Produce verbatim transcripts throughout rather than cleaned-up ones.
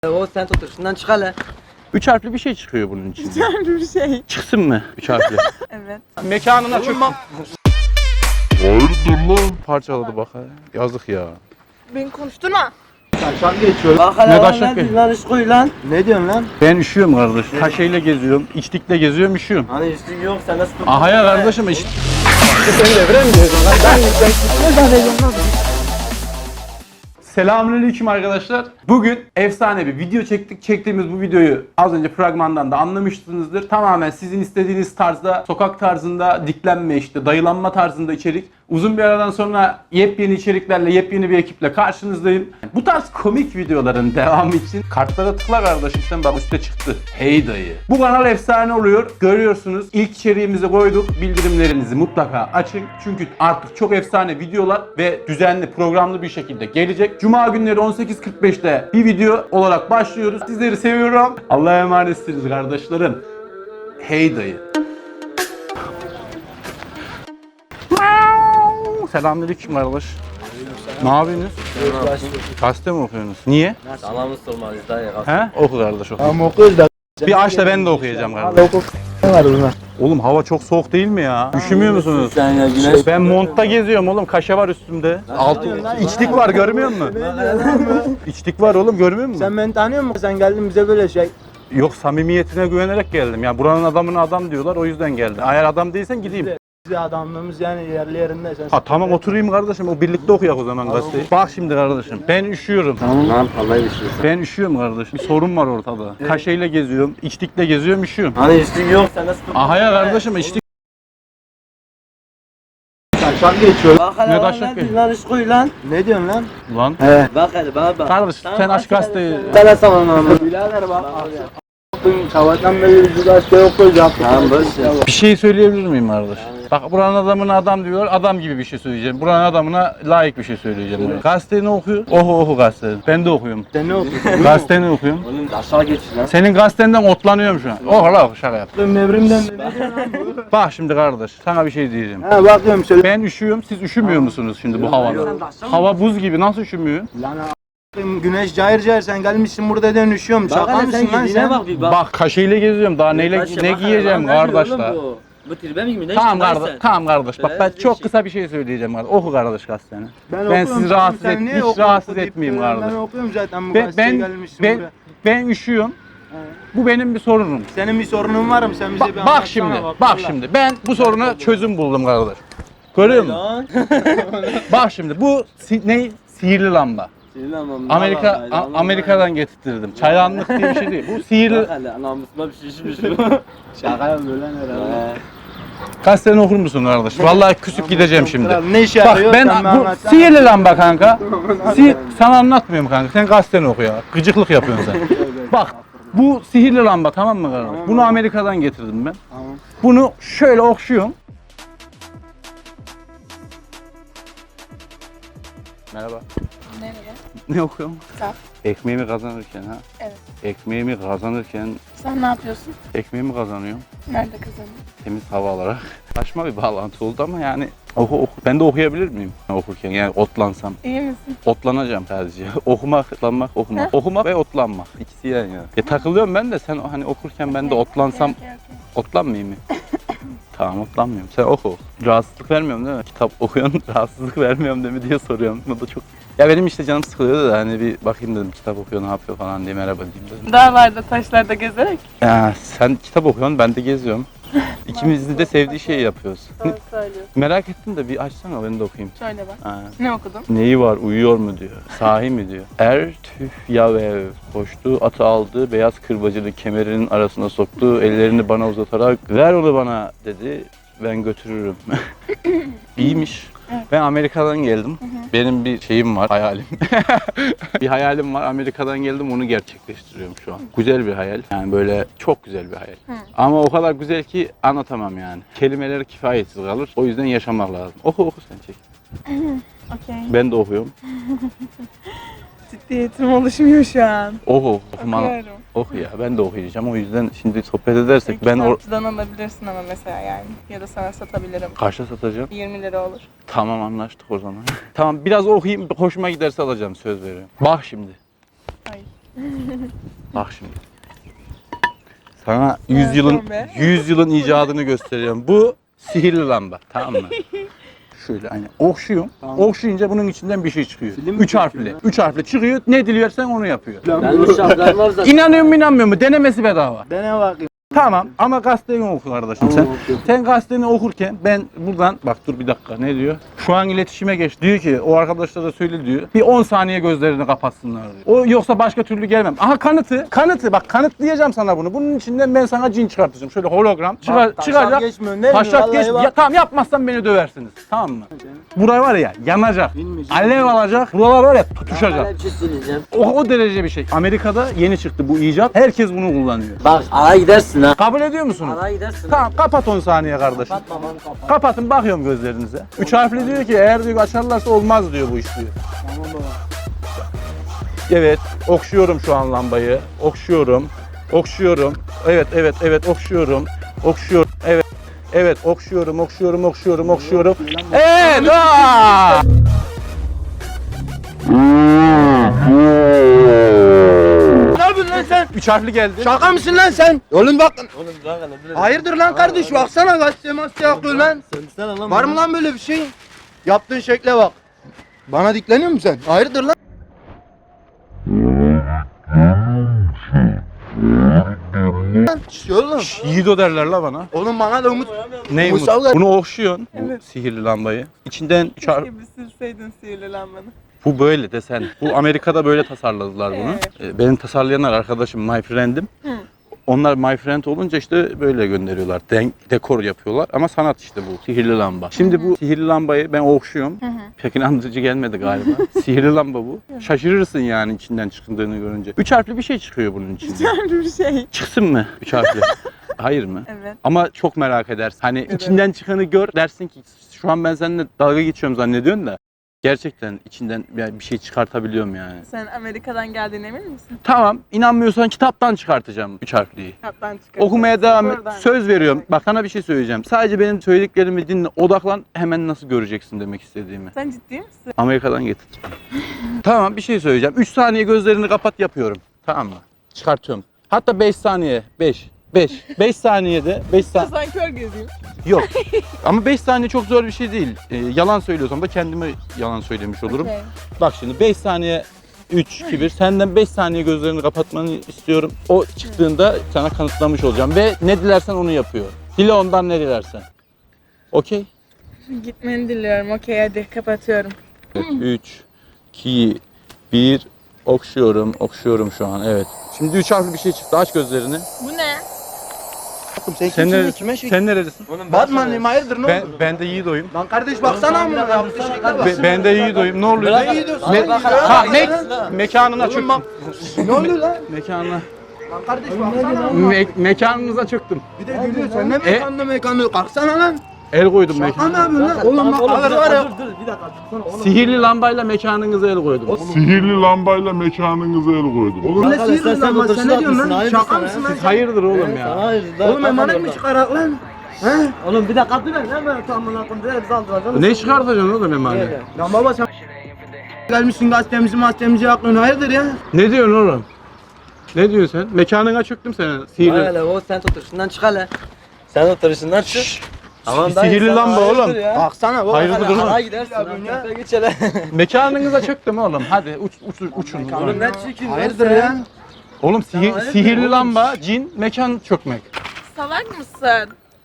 O sen tutur. Şundan çık hele. Üç harfli bir şey çıkıyor bunun içinde. Güzel bir şey. Çıksın mı üç harfli? Evet. Mekanına çöktü. Hayırdır lan? Parçaladı bak. Yazık ya. Beni konuşturma. Taşan geçiyor. Bak hele Ne lan taşak ne ki? diyorsun lan iş koy lan. Ne diyorsun lan? Ben üşüyorum kardeş. Taşeyle geziyorum, içlikle geziyorum, üşüyorum. Hani üstlük yok sen nasıl tutun? Aha ya kardeşim iş... Seni devre mi diyorsun lan? Ben ben ne zannediyorum lan? Selamünaleyküm arkadaşlar. Bugün efsane bir video çektik. Çektiğimiz bu videoyu az önce fragmandan da anlamışsınızdır. Tamamen sizin istediğiniz tarzda, sokak tarzında, diklenme işte, dayılanma tarzında içerik. Uzun bir aradan sonra yepyeni içeriklerle, yepyeni bir ekiple karşınızdayım. Bu tarz komik videoların devamı için kartlara tıkla kardeşim, sen bak üstte çıktı. Hey dayı. Bu kanal efsane oluyor. Görüyorsunuz. İlk içeriğimizi koyduk. Bildirimlerinizi mutlaka açın. Çünkü artık çok efsane videolar ve düzenli, programlı bir şekilde gelecek. Cuma günleri on sekiz kırk beşte bir video olarak başlıyoruz. Sizleri seviyorum. Allah'a emanetsiniz kardeşlerim. Hey dayı. Selamünaleyküm kardeş. Ne yapıyorsunuz? Gazete mi okuyorsunuz? Niye? Salamı sormalıyız dayı. He? Oku kardeş oku. Tamam okuyoruz da. Bir aç da ben de okuyacağım kardeş. Hadi oku. Ne var bunda? Oğlum hava çok soğuk değil mi ya? Üşümüyor musunuz? Sen ya güneş. Ben montta geziyorum oğlum. Kaşe var üstümde. Altı içlik var, görmüyor musun? İçlik var oğlum, görmüyor musun? Sen beni tanıyor musun? Sen geldin bize böyle şey. Yok, samimiyetine güvenerek geldim. Ya buranın adamına adam diyorlar, o yüzden geldim. Eğer adam değilsen gideyim. Bize adamlığımız yani yerli yerinde. Sen Ha tamam, oturayım kardeşim. O birlikte okuyak o zaman gazeteyi. Bak şimdi kardeşim, ben üşüyorum. Tamam lan vallahi üşüyorsun. Ben üşüyorum kardeşim. Bir sorun var ortada. Kaşeyle geziyorum, içlikle geziyorum, üşüyorum. Hani üstlük yok sen nasıl tutun? Aha ya kardeşim, içlik. taşan geçiyor. Bak hele Ne lan taşak ne ki? diyorsun lan iş koy lan. Ne diyorsun lan? Lan. He. Bak hele bana bak. Kardeş sen aç gazeteyi. Sana sana lan. Birader bak. Bugün sabahtan beri yüzü gazete okuyacağım. Tamam boş ver. Bir şey söyleyebilir miyim kardeş? Bak buranın adamına adam diyor, adam gibi bir şey söyleyeceğim. Buranın adamına layık bir şey söyleyeceğim. Gazeteni okuyor. Oku oku gazeteni. Ben de okuyorum. Sen ne okuyorsun? Gazeteni okuyorum. Oğlum aşağı geç lan. Senin gazetenden otlanıyorum şu an. Oku la oku, şaka yap. Nevrimden ne diyorsun lan bu? Bak şimdi kardeş, sana bir şey diyeceğim. Ha bakıyorum söyle. Ben üşüyorum, siz üşümüyor musunuz şimdi bu havada? Hava buz gibi, nasıl üşümüyor? Lan a**ayım, güneş cayır cayır sen gelmişsin burada den üşüyorum. Bak Şaka hele sen mısın lan giydiğine sen? bak bir bak. Bak kaşeyle geziyorum, daha neyle Taşı, ne bak hele giyeceğim lan, ne diyor kardeş oğlum da. bu? Bu tribe mi gibi ne Tamam içtin lan kardeş, sen? tamam kardeş. Bak ben Böyle çok bir kısa bir şey söyleyeceğim kardeş. Oku kardeş gazeteni. Ben okuyorum, sizi tamam, rahatsız sen et, niye hiç oku, rahatsız oku deyip etmeyeyim duruyorsun? kardeş. Ben okuyorum zaten bu Ben gazeteye ben gelmişsin ben, buraya. ben üşüyorum. Bu benim bir sorunum. Senin bir sorunun var mı? Sen bize bir Bak, bak anlatsana şimdi, bak vallahi. şimdi. Ben bu soruna çözüm buldum kardeş. Görüyor musun? Lan. Bak şimdi bu si- ne? Sihirli lamba. Sinirlenmem. Amerika A- Amerika'dan getirttirdim. Çaydanlık diye bir şey değil. Bu sihirli. Bak hele namusuma bir şey şişmiş bu. Şaka yapıyor lan herhalde. Gazeteni okur musun kardeş? Vallahi küsüp gideceğim şimdi. Ne işe Bak yarıyor? ben Sen bir bu anlatsana. sihirli lamba kanka. Si sana anlatmıyorum kanka. Sen gazeteni oku ya. Gıcıklık yapıyorsun sen. Bak bu sihirli lamba, tamam mı kardeş? Bunu Amerika'dan getirdim ben. Tamam. Bunu şöyle okşuyorum. Merhaba. Merhaba. Ne okuyorum? Kitap. Ekmeğimi kazanırken ha. Evet. Ekmeğimi kazanırken Sen ne yapıyorsun? ekmeğimi kazanıyorum. Nerede kazandın? Temiz hava alarak. Saçma bir bağlantı oldu ama yani oku, oku. Ben de okuyabilir miyim okurken, yani otlansam? İyi misin? Otlanacağım sadece. Okumak, otlanmak, okumak. Okumak ve otlanmak. İkisi yan yana. Ya takılıyorum ben de, sen hani okurken ben de otlansam Okey, okey, okey. otlanmayayım mı? Tamam, otlanmıyorum. Sen oku. Rahatsızlık vermiyorum değil mi? Kitap okuyorsun, rahatsızlık vermiyorum değil mi diye soruyorum. Bu da çok... Ya benim işte canım sıkılıyordu da hani bir bakayım dedim, kitap okuyor ne yapıyor falan diye, merhaba diyeyim dedim. Dağlarda, taşlarda gezerek. Ya sen kitap okuyorsun, ben de geziyorum. İkimizin de sevdiği şeyi yapıyoruz. Doğru söylüyorsun. Merak ettim de bir açsana, ben de okuyayım. Şöyle bak. Ha. Ne okudun? Neyi var, uyuyor mu diyor. Sahi mi diyor. Er tüf yavev koştu, atı aldı, beyaz kırbacını kemerinin arasına soktu, ellerini bana uzatarak ver onu bana dedi, ben götürürüm. İyiymiş. Evet. Ben Amerika'dan geldim. Hı hı. Benim bir şeyim var, hayalim. Bir hayalim var, Amerika'dan geldim, onu gerçekleştiriyorum şu an. Güzel bir hayal, yani böyle çok güzel bir hayal. Hı. Ama o kadar güzel ki anlatamam yani. Kelimeler kifayetsiz kalır, o yüzden yaşamak lazım. Oku oku sen, çek. Okey. Ben de okuyorum. Ciddiyetim oluşmuyor şu an. Oku, okuma. Okuyorum. Oku ya, ben de okuyacağım, o yüzden şimdi sohbet edersek ben or Kitapçıdan alabilirsin ama mesela yani. Ya da sana satabilirim. kaçta satacağım? yirmi lira olur. Tamam, anlaştık o zaman. Tamam, biraz okuyayım, hoşuma giderse alacağım, söz veriyorum. Bak şimdi. Ay. Bak şimdi. Sana yüz yılın yapıyorsun be? yüz yılın icadını gösteriyorum. Bu sihirli lamba, tamam mı? Şöyle hani okşuyorum. Tamam. Okşayınca bunun içinden bir şey çıkıyor. Film mi Üç harfli. çekiyor Üç harfli çıkıyor. Ne diliyorsan onu yapıyor. Bende şapkan var zaten. İnanıyor mu inanmıyor mu? Denemesi bedava. Dene bakayım. Tamam ama gazeteni oku kardeşim sen. Tamam, okuyorum. Sen gazeteni okurken ben buradan bak dur bir dakika ne diyor? Şu an iletişime geç. Diyor ki o arkadaşlar da söyle diyor. Bir on saniye gözlerini kapatsınlar diyor. O yoksa başka türlü gelmem. Aha kanıtı. Kanıtı bak kanıtlayacağım sana bunu. Bunun içinden ben sana cin çıkartacağım. Şöyle hologram çıkar, Bak, taşak çıkacak. geçmiyorsun değil mi? Taşak Vallahi geç. bak. Ya, tamam yapmazsan beni döversiniz. Tamam mı? Buraya var ya yanacak. Bilmeyeceğim. Alev alacak. Buralar var ya tutuşacak. Ben bir şey söyleyeceğim. O, o derece bir şey. Amerika'da yeni çıktı bu icat. Herkes bunu kullanıyor. Bak ara gidersin ha. Kabul ediyor musunuz? Ara gidersin. Tamam kapat on saniye kardeşim. Kapatma lan kapat. Kapatın bakıyorum gözlerinize. Üç harfli diyor ki eğer diyor açarlarsa olmaz diyor bu iş diyor. Tamam baba. Evet okşuyorum şu an lambayı. Okşuyorum. Okşuyorum. Evet evet evet okşuyorum. Okşuyorum. Evet. Evet okşuyorum okşuyorum okşuyorum okşuyorum. Evet. Aa! Ne yapıyorsun lan sen? Üç harfli geldi. Şaka mısın lan sen? Oğlum bak. Oğlum bırak hele bırak. Hayırdır lan kardeş baksana gazete masaya yapıyor lan. Söylesene lan. Var mı lan böyle bir şey? Yaptığın şekle bak. Bana dikleniyor musun sen? Hayırdır lan? Lan, şş, oğlum. Yiğido derler la bana. Oğlum bana da umut. Ne Mustafa umut? ver. Bunu okşuyorsun. Bu Evet. sihirli lambayı. İçinden üç harf. Keşke bir silseydin sihirli lambanı. Bu böyle desen. Bu Amerika'da böyle tasarladılar bunu. Evet. Ee, Benim tasarlayanlar arkadaşım, my friend'im. Hı. Onlar my friend olunca işte böyle gönderiyorlar. Den- dekor yapıyorlar ama sanat işte bu. Sihirli lamba. Şimdi bu sihirli lambayı ben okşuyorum. Hı hı. Pek inandırıcı gelmedi galiba. Sihirli lamba bu. Şaşırırsın yani içinden çıktığını görünce. Üç harfli bir şey çıkıyor bunun içinden. Güzel bir şey. Çıksın mı üç harfli? Hayır mı? Evet. Ama çok merak edersin. Hani Evet. içinden çıkanı gör dersin ki şu an ben seninle dalga geçiyorum zannediyorsun da gerçekten içinden bir bir şey çıkartabiliyorum yani. Sen Amerika'dan geldiğine emin misin? Tamam, inanmıyorsan kitaptan çıkartacağım üç harfliyi. Kaptan çıkar. Okumaya devam et. Oradan. Söz veriyorum. Bak sana bir şey söyleyeceğim. Sadece benim söylediklerimi dinle, odaklan. Hemen nasıl göreceksin demek istediğimi. Sen ciddi misin? Amerika'dan getirdim. Tamam, bir şey söyleyeceğim. üç saniye gözlerini kapat yapıyorum. Tamam mı? Çıkartıyorum. Hatta beş saniye. beş. beş. beş saniyede beş saniye. Sen kör gezeyim. Yok. Ama beş saniye çok zor bir şey değil. Ee, yalan söylüyorsam da kendime yalan söylemiş olurum. Okey. Bak şimdi beş saniye üç, iki, bir. Senden beş saniye gözlerini kapatmanı istiyorum. O çıktığında sana kanıtlamış olacağım. Ve ne dilersen onu yapıyor. Dile ondan ne dilersen. Okey? Gitmeni diliyorum. Okey hadi kapatıyorum. üç, iki, bir. Okşuyorum, okşuyorum şu an. Evet. Şimdi üç harfli bir şey çıktı. Aç gözlerini. Bu ne? Oğlum sen Sen kimsin? neredesin? Kime şey? Sen neredesin? Batman'ım hayırdır ne Ben, oldu? ben de Yiğido'yum. Lan kardeş baksana mı? Yaptığı şekle bak. Be- ben de Yiğido'yum. Ne oluyor? Ne iyi diyorsun? Me- Bak, ha, bak, me- bak. mekanına Oğlum çöktüm. bak. Ne oluyor lan? Mekanına. Lan kardeş baksana. Me- mekanınıza çöktüm. Bir de gülüyor. Sen ne E? mekanlı mekanlı? Kalksana lan. El koydum Şaka mı mekana. yapıyorsun lan? Oğlum bak alır var ya. Sihirli lambayla mekanınıza el koydum. Sihirli lambayla mekanınıza el koydum. Oğlum ne sihirli lan? Bak sen ne diyorsun lan? Şaka mısın lan? Hayırdır oğlum ya? Oğlum emanet mi çıkarak lan? He? Oğlum bir dakika dur lan. Hemen tamamına koyayım. Direkt bizi aldıracaksın. Ne çıkartacaksın oğlum emanet? Lan baba sen gelmişsin gazetemizi gazetemizi yaklıyorsun. Hayırdır ya? Ne diyorsun oğlum? Ne diyorsun sen? Mekanına çöktüm senin. Sihirli. Hele o sen oturuşundan çık hele. Sen oturuşundan çık. Tamam dayı, Sihirli sen lamba hayırdır oğlum. ya. Baksana baba. Hayırdır Hele oğlum? Ara gidersin lan. ya. Sen geç hele. Mekanınıza çöktüm oğlum. Hadi uç, uç, uçun. Oğlum ne çirkin lan Hayırdır sen. ya? Oğlum sihi- hayırdır sihirli oğlum? lamba, cin, mekan çökmek. Salak mısın?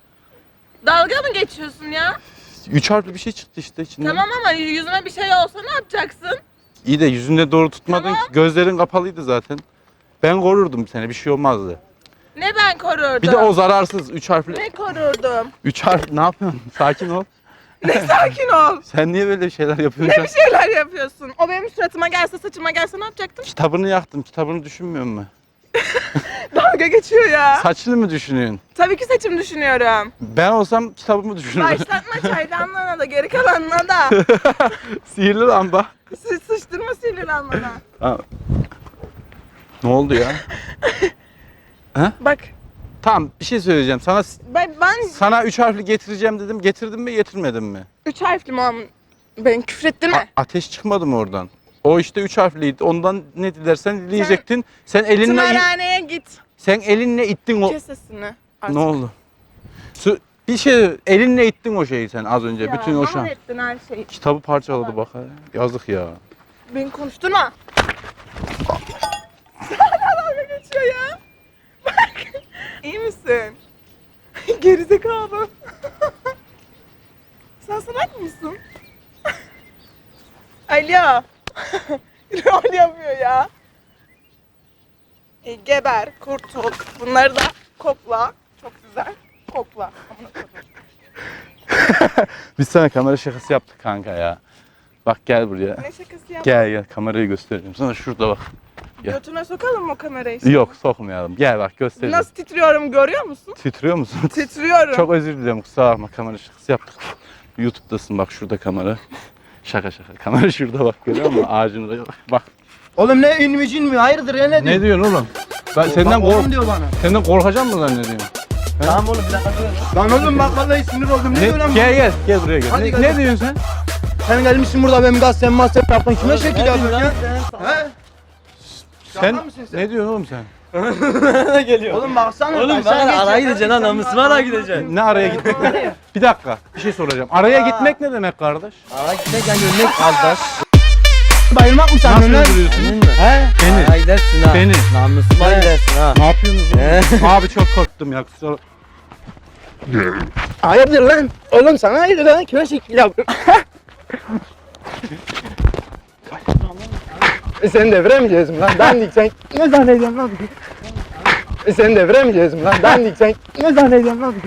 Dalga mı geçiyorsun ya? Üç harfli bir şey çıktı işte içinden. Tamam ama yüzüme bir şey olsa ne yapacaksın? İyi de yüzünde doğru tutmadın Tamam. ki. Gözlerin kapalıydı zaten. Ben korurdum seni. Bir şey olmazdı. Ne ben korurdum? Bir de o zararsız. Üç harfli. Ne korurdum? Üç harf. Ne yapıyorsun? Sakin ol. Ne sakin ol. Sen niye böyle şeyler yapıyorsun? Ne bir şeyler yapıyorsun? O benim suratıma gelse, saçıma gelse ne yapacaktın? Kitabını yaktım. Kitabını düşünmüyor musun? Dalga geçiyor ya. Saçını mı düşünüyorsun? Tabii ki saçım düşünüyorum. Ben olsam kitabımı düşünürüm. Başlatma çaydanlığına da geri kalanına da. Sihirli lamba. Sı sıçtırma sinirlenmeden. Ha. Ne oldu ya? Bak Tamam bir şey söyleyeceğim. Sana ben, ben sana üç harfli getireceğim dedim. Getirdin mi getirmedin mi? üç harfli mi? Ben küfrettim mi? A- ateş çıkmadı mı oradan? O O işte üç harfliydi. Ondan ne dilersen dileyecektin. Sen elinle Tımarhaneye git. sen elinle ittin o. Kes sesini. Artık. Ne oldu? Su, bir şey elinle ittin o şeyi sen az önce. Ya, Bütün o şan. mahvettin her şeyi. Kitabı parçaladı bak. ha. Yazık ya. Beni konuşturma. Hala dalga geçiyor ya. Bak. İyi misin? Gerizekalı. Sen salak mısın? Alo. Rol yapıyor ya. E, geber, kurtul. Bunları da kokla. Çok güzel. Kokla. Amına koyayım. Biz sana kamera şakası yaptık kanka ya. Bak gel buraya. Ne şakası yap? Gel gel kamerayı göstereyim sana şurada bak. Gel. Götüne sokalım mı o kamerayı şimdi? Yok sokmayalım. Gel bak göstereyim. Nasıl titriyorum görüyor musun? Titriyor musun? Titriyorum. Çok özür dilerim kusura bakma kamera şakası yaptık. YouTube'dasın bak şurada kamera. Şaka şaka. Kamera şurada bak görüyor musun? Ağacın oraya bak. Bak. Oğlum ne ün mü cin mi? Hayırdır ya ne diyor? Ne diyorsun oğlum? Ben senden Bak kork oğlum diyor bana. senden korkacağım mı zannediyorsun? Tamam oğlum bir dakika dur. Lan oğlum bak vallahi sinir oldum. Ne, Ne, diyor lan bu? gel gel gel buraya gel. Hadi Ne, gel. ne diyorsun sen? Sen gelmişsin burada benim gazete mahsep yaptın. Kime şekil Ne yapıyorsun diyorsun ya? lan sen? He? Sen, Şaka mısın sen? ne diyorsun oğlum sen? Ne geliyor? Oğlum baksana. Oğlum bak, bak sen geç araya ya, gideceksin sen ha geç, namusuma sen- araya gideceksin. Ne araya gitmek? Bir dakika bir şey soracağım. Araya gitmek ne demek kardeş? Araya gitmek yani ölmek kardeş. Bayılmak mı sen Nasıl lan? öldürüyorsun? He? Beni. Araya gidersin ha. Beni. Namusuma He. gidersin ha. Ne yapıyorsunuz oğlum? Abi çok korktum ya. Kusura Hayırdır lan? Oğlum sana hayırdır lan? Kime şekil yapıyorsun? E sen devre mi diyorsun lan? Dandik sen ne zannediyorsun lan? E sen devre mi diyorsun lan? Dandik sen ne zannediyorsun lan?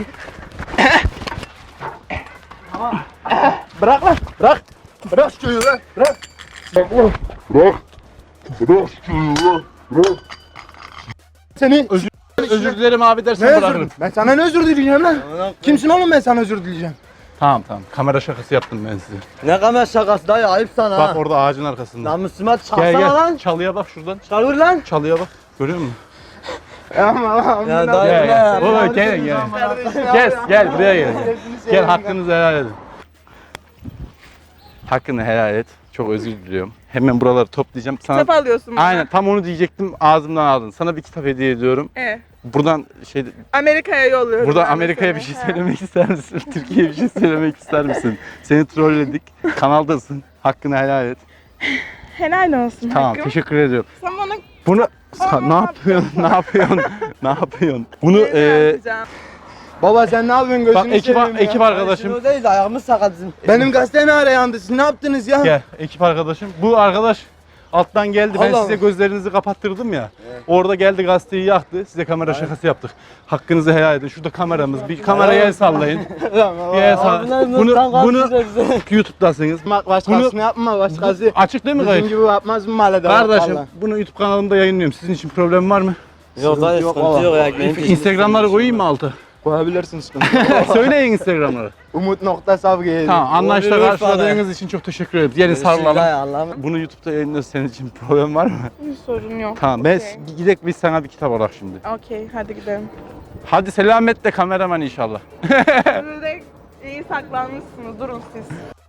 Bırak lan, bırak. Bırak şu çocuğu lan, bırak. Bak oğlum. Bırak. Bırak şunu. Bırak. Seni Özür dilerim abi ne dersen özür bırakırım. Ben sana ne özür dileyeceğim lan? Kimsin oğlum ben sana özür dileyeceğim? Tamam tamam. Kamera şakası yaptım ben size. Ne kamera şakası dayı ayıp sana Bak ha. orada ağacın arkasında. Namusuma Gel çıkarsana gel. lan. Çalıya bak şuradan. Çıkar lan. Çalıya bak. Görüyor musun? Aman Ya amına dayı Gel ne gel. ya? Baba gel gel. Gel gel buraya gel. Gel hakkınızı helal edin. Hakkını helal et. Çok özür diliyorum. Hemen buraları toplayacağım. Sana Kitap alıyorsun bana. aynen tam onu diyecektim. Ağzımdan aldın. Sana bir kitap hediye ediyorum. E, Buradan şey Amerika'ya yolluyorum. Buradan ben de Amerika'ya seni. bir şey Ha. söylemek ister misin? Türkiye'ye bir şey söylemek ister misin? Seni trolledik. Kanaldasın. Hakkını helal et. Helal olsun Tamam, hakkım. teşekkür ediyorum. Sen bana Bunu Aa, ne yapıyorsun? Ne yapıyorsun? Ne yapıyorsun? Bunu ne e, yapacağım? Baba sen ne yapıyorsun gözünü bak ekip seveyim ya. ekip arkadaşım. Şunu değil de ayağımız sakat bizim. Benim gazete ne ara yandı? Siz ne yaptınız ya? Gel ekip arkadaşım. Bu arkadaş alttan geldi. Ben Allah size Allah. gözlerinizi kapattırdım ya. Orada geldi gazeteyi yaktı. Size kamera şakası yaptık. Hakkınızı helal edin. Şurada kameramız. Bir kameraya el sallayın. Bir el sallayın. Bunu bunu YouTube'dasınız. Bak başkasını yapma başkası. Açık değil mi Bizim kayıt? gibi yapmaz mı mahallede? Kardeşim vallahi. bunu YouTube kanalımda yayınlıyorum. Sizin için problem var mı? Yok dayı yok sıkıntı valla. yok ya. Benim peşimde Instagram'ları koyayım mı alta? Koyabilirsin sıkıntı. Söyleyin Instagram'ları. Umut nokta savgı. Tamam anlaştık Olur, karşıladığınız için çok teşekkür ederim. Gelin Görüşürüz dayı, sarılalım. Allah'ım. Bunu YouTube'da yayınlıyoruz. Senin için problem var mı? Bir sorun yok. Tamam ben Okey. gidelim biz sana bir kitap alak şimdi. Okey hadi gidelim. Hadi selametle kameraman inşallah. Siz de iyi saklanmışsınız. Durun siz.